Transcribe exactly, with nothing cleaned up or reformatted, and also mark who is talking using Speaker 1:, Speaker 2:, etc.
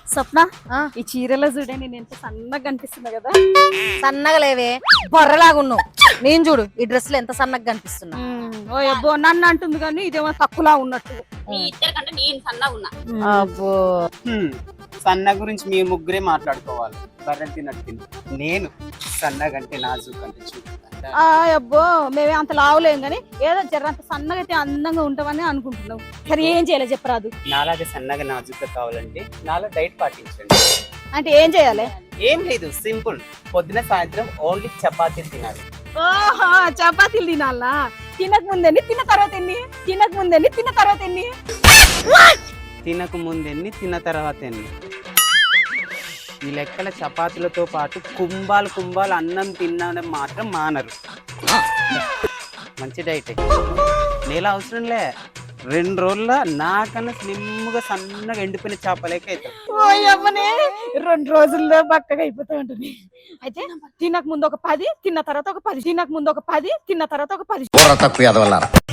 Speaker 1: స్వప్న ఈ చీరలో చూడే నేను ఎంత సన్నగా కనిపిస్తున్నా కదా.
Speaker 2: సన్నగా లేవే బొర్రలాగా ఉన్నావు. నేను చూడు ఈ డ్రెస్ లో ఎంత సన్నగా కనిపిస్తున్నా.
Speaker 1: ఓ అబ్బో నన్ను అంటుంది కానీ ఇదేమో తక్కువలా ఉన్నట్టు.
Speaker 3: మీ ఇద్దరి కంటే నేను సన్నగా ఉన్నా.
Speaker 2: అబ్బో
Speaker 4: సన్న గురించి మీ ముగ్గురే మాట్లాడుకోవాలి. బర్రెలు తిన్నట్టు తిని నేను సన్నగంటే నాజుక్ అంటే చూపు.
Speaker 1: ఆ అబ్బో మేమే అంత లావులేం కానీ ఏదో జరంత సన్నగా అయితే అందంగా ఉంటామని అనుకుంటున్నావు. సరే ఏం చేయాలి చెప్పరాదు.
Speaker 4: నాలాగే సన్నగా నాజుక్గా కావాలంటే నాలా డైట్ పాటించండి.
Speaker 1: అంటే ఏం చేయాలి?
Speaker 4: ఏం లేదు, సింపుల్. పొద్దున సాయంత్రం ఓన్లీ చపాతీలు తినాలి.
Speaker 1: ఓహో చపాతీలు తినాలా? తినక ముందండి తిన్న తర్వాత ఎన్ని? తినక ముందండి తిన్న తర్వాత ఎన్ని?
Speaker 4: తినక ముందెన్ని తిన్న తర్వాత ఎన్ని? ఈ లెక్కల చపాతీలతో పాటు కుంభాలు కుంభాలు అన్నం తినడం మాత్రం మానరు. మంచి డైట్. నేల అవసరంలే, రెండు రోజుల నాకన్నా స్లిమ్గా సన్నగా ఎండిపోయిన చేపలేక అవుతాం.
Speaker 1: ఓ అమ్మనే రెండు రోజుల్లో బక్కగా అయిపోతూ ఉంటుంది. అయితే తినక ముందు ఒక పది తిన్న తర్వాత ఒక పది తినక ముందు ఒక పది తిన్న తర్వాత ఒక పది
Speaker 5: తక్కువ